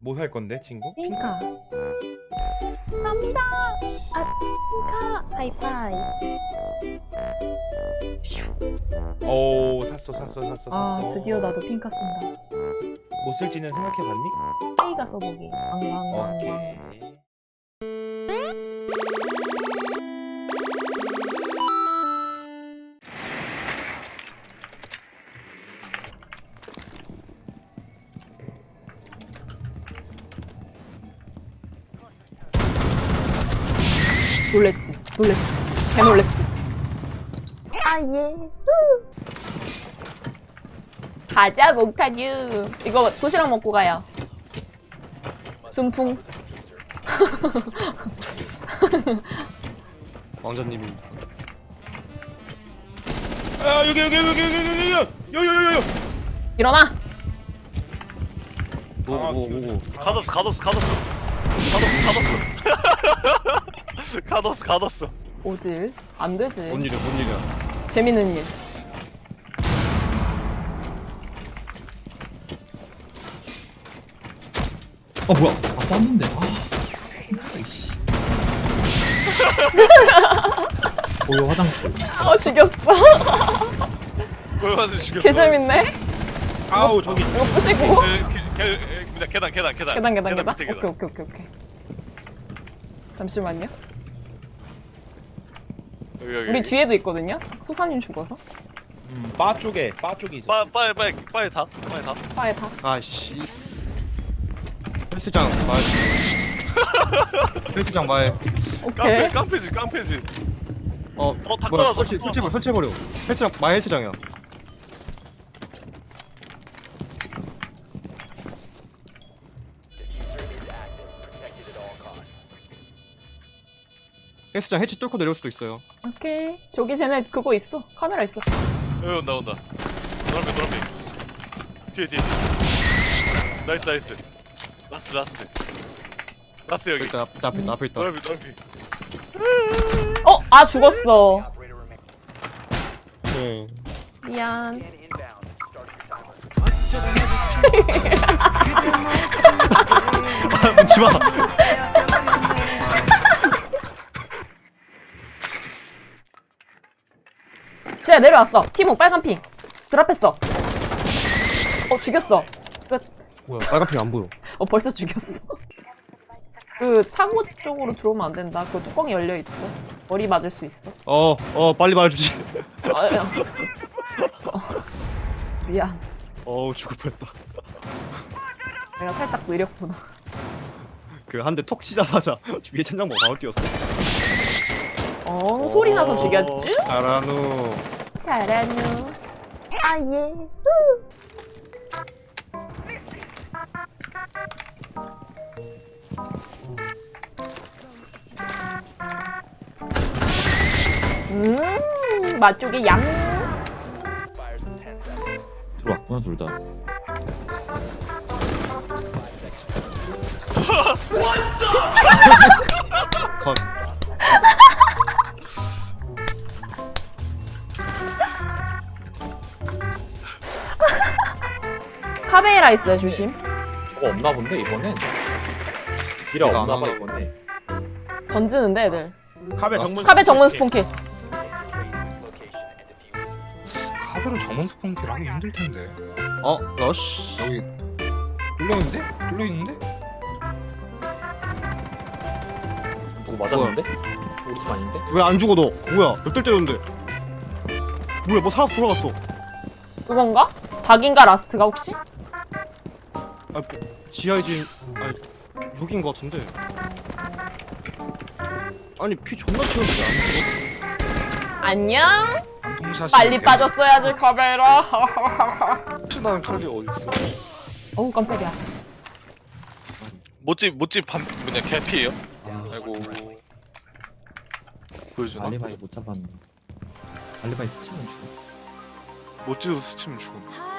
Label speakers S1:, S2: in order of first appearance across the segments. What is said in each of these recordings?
S1: 뭐 살 건데 친구?
S2: 핑카. 갑니다. 아, 핑카. 하이파이.
S1: 오 샀어.
S2: 아, 드디어 나도 핑카 쓴다.
S1: 뭐 쓸지는 생각해봤니?
S2: A가 써보기. 왕왕왕왕.
S1: 오케이.
S2: 놀랬지. 개 놀랬지. 아, 예. 가자, 몽타뉴. 이거 도시락 먹고 가요. 순풍.
S3: 왕자님이
S1: 아 여기
S2: 일어나.
S3: 오오오
S4: 가뒀어.
S2: 어딜? 안 되지.
S3: 뭔 일이야
S2: 재밌는 일.
S5: 뭐야? 쐈는데. 이씨. 고요 화장실.
S2: 죽였어.
S4: 보여서 죽였어.
S2: 개 재밌네.
S1: 아우 저기
S2: 이거 부시고.
S4: 계단.
S2: 계단.
S4: 밑에 계단.
S2: 오케이. 잠시만요.
S4: 여기.
S2: 우리 뒤에도 있거든요. 소사님 죽어서.
S1: 바 쪽에 있어.
S4: 빨리 다.
S2: 빠에 다.
S3: 아씨 헬스장 말 헬스장 말
S2: 오케이.
S4: 깡패지. 다
S3: 뭐야
S4: 깔아서.
S3: 설치해버려 헬스장 마이 헬스장이야 헬스장 해치 뚫고 내려올 수도 있어요
S2: 오케이. 저기 쟤네 그거 있어. 카메라 있어.
S4: 여기 온다. 노란빛. 뒤에. 나이스. 라스트 여기.
S3: 일단 앞에 있다
S4: 노란빛.
S2: 아 죽었어.
S3: 네.
S2: 미안.
S3: 묻지마
S2: 쟤 내려왔어. 티모 빨간 핑. 드랍했어. 죽였어. 끝.
S3: 뭐야 빨간 핑 안 보여
S2: 벌써 죽였어. 그 창호 쪽으로 들어오면 안 된다. 그 뚜껑이 열려 있어. 머리 맞을 수 있어.
S3: 빨리 말해주지
S2: 미안.
S3: 죽을 뻔했다
S2: 내가 살짝 느렸구나.
S3: 그 한 대 톡 치자마자 위에 천장 보고 바로 뛰었어
S2: 소리 나서 죽였쥬?
S3: 잘하누
S2: 잘하누. 아 예. 맛쪽에 양.
S5: 들어왔구나 둘 다.
S3: 컷
S2: 카베라 있어요, 조심.
S5: 저거 없나 본데 이번엔. 미라
S3: 이거
S5: 없나
S3: 안
S5: 봐
S3: 하나
S5: 이번에.
S2: 던지는데 애들.
S1: 카베
S2: 정문 스폰킬.
S6: 카드로 정문 스폰키를 하기 힘들 텐데.
S3: 러쉬
S6: 여기 뚫려 있는데?
S5: 누구 맞았는데? 우리 팀 아닌데?
S3: 왜 안 죽어 너 뭐야 몇 대 때렸는데 뭐야 뭐 살아서 돌아갔어
S2: 그건가? 닭인가 라스트가 혹시?
S3: 지하의 진 여긴 거 같은데 아니 피 존나 튀었는데 안 죽어
S2: 안녕?
S6: 방통샷이
S2: 빨리 빠졌어야지 카베라.
S4: 나는 칼이 어딨어?
S2: 어우 깜짝이야.
S4: 못집 개피예요?
S5: 아,
S4: 아이고. 보여주나?
S5: 알리바이 못 잡았는데. 알리바이 스치면 죽어.
S4: 못집도 스치면 죽음.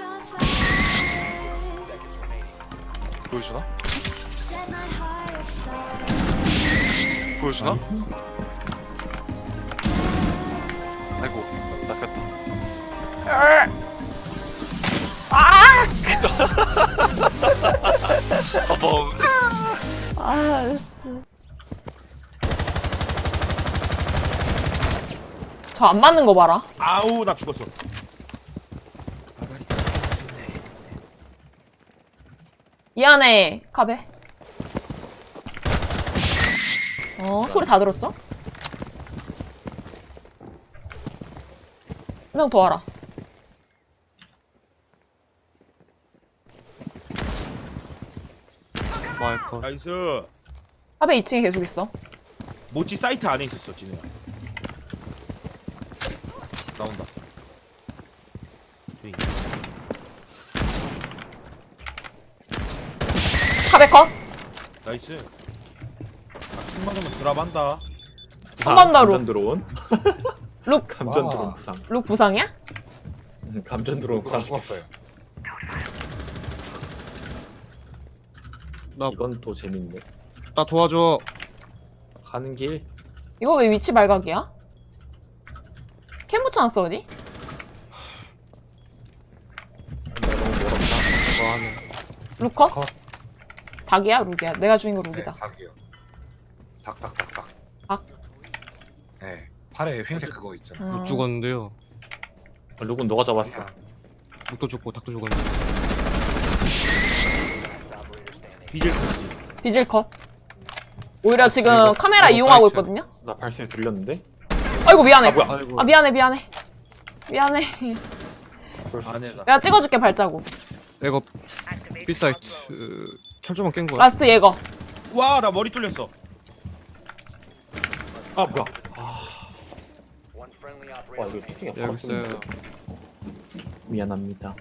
S4: 보여주나? 아이고, 낚였다. 어머.
S2: 아씨. 저 안 맞는 거 봐라.
S1: 아우 나 죽었어.
S2: 미안해, 카베. 소리 다 들었죠? 한 명 더 와라.
S3: 마이커.
S1: 나이스.
S2: 카베 2층에 계속 있어.
S1: 모찌 사이트 안에 있었어 진우야. 나온다. 저기.
S2: 카베 컷.
S1: 나이스. 아, 10만 원만 드랍한다.
S2: 한번 더 룩.
S5: 감전 드론.
S2: 룩.
S5: 감전
S6: 와.
S5: 드론 부상.
S2: 룩 부상이야?
S5: 감전 드론 부상
S6: 죽었어요.
S3: 나
S5: 이건 또 재밌네.
S3: 도와줘.
S5: 가는 길.
S2: 이거 왜 위치 발각이야? 캠 붙여놨어, 어디?
S5: 너무 멀었다.
S3: 뭐 하네.
S2: 룩 컷?
S6: 컷.
S2: 닭이야? 룩이야? 내가 죽인 거 룩이다.
S6: 네, 닭이요. 닭.
S2: 닭?
S6: 네. 팔에 흰색 그거 있잖아.
S3: 못 죽었는데요.
S5: 룩은 너가 잡았어.
S3: 묵도 죽고 닭도 죽었는데.
S1: 비질
S2: 비질 컷. 오히려 지금
S3: 이거-
S2: 카메라
S3: 이거
S2: 이용하고
S3: 사이트.
S2: 있거든요?
S5: 나 발소리 들렸는데?
S2: 아이고, 미안해.
S5: 아 뭐야?
S3: 아이고.
S2: 아, 미안해. 미안해.
S1: 안에다.
S2: 내가 찍어줄게, 발자국.
S3: 이거 B 사이트 철조망 깬 거야.
S2: 라스트 예거.
S1: 와 나 머리 뚫렸어.
S5: 아 뭐야? 와 이거 피팅이 바로
S3: 여기 있어요.
S5: 뜨는데. 미안합니다.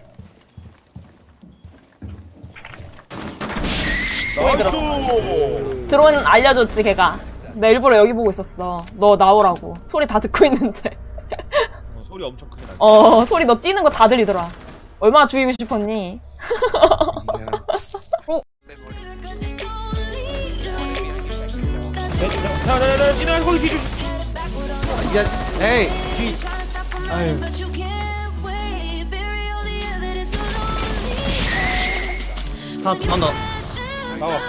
S1: 나이스.
S2: 드론 알려줬지, 걔가. 나 일부러 여기 보고 있었어. 너 나오라고. 소리 다 듣고 있는데.
S1: 소리 엄청 크게 나.
S2: 소리 너 뛰는 거 다 들리더라. 얼마나 죽이고 싶었니?
S1: 자자자 진우야 거기 비질.
S3: 에이. 아유. 하나.
S1: 나와.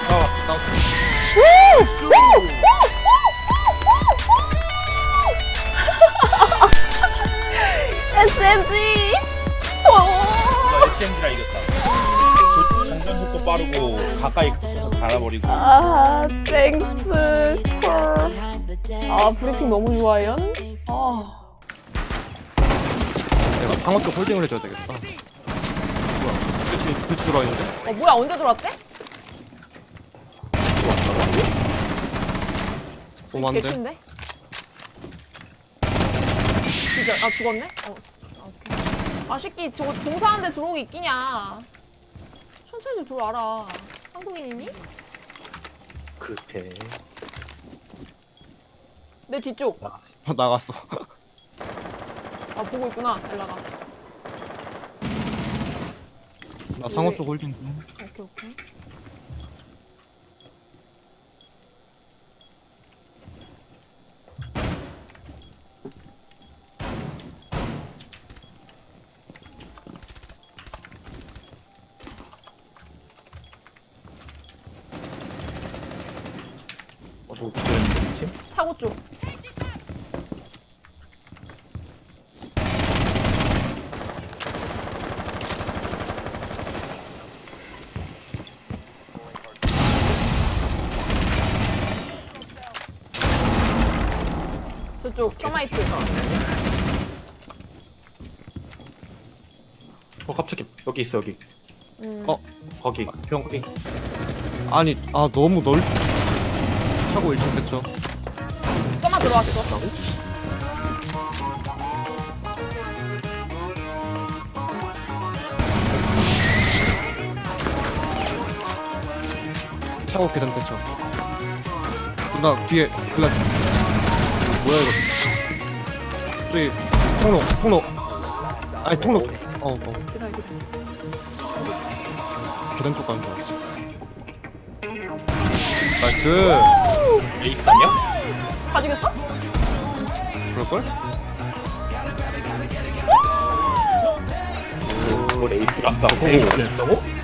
S2: SMG!
S1: 나 SMG라 이겼다. 장전 속도 빠르고 가까이 붙어서 갈아버리고.
S2: 아, 땡스, 콜. 아, 브리핑 너무 좋아요. 아,
S3: 내가 방어 쪽 홀딩을 해줘야 되겠다. 뭐야? 그치 들어와 있는데?
S2: 뭐야, 언제 들어왔대?
S3: 오만데.
S2: 개친데? 진짜, 아, 죽었네? 오케이. 아, 새끼, 저거 공사하는데 들어온 게 있기냐. 천천히 좀 들어와라. 한국인이니?
S5: 급해.
S2: 내 뒤쪽.
S5: 나갔어.
S3: 나갔어.
S2: 아, 보고 있구나, 엘라가.
S3: 나 상어 쪽 홀딩.
S2: 오케이.
S5: 누구 기절했는데 팀?
S2: 차고 쪽. 저쪽, 서마이트.
S5: 갑자기 여기 있어 여기. 거기.
S3: 병. 아니 너무 차고 1층 됐죠.
S2: 서마 들어왔어.
S3: 차고 계단 됐죠. 나 뒤에 글라. 뭐야 이거? 저기 통로. 아니 통로.
S2: 기다려.
S3: 계단 쪽 가는 줄 알았어. 나이스.
S5: 에이스 아니야?
S2: 다 죽였어?
S3: 그럴걸?
S5: 뭘 에이스를 한다고? 에이스를 했다고?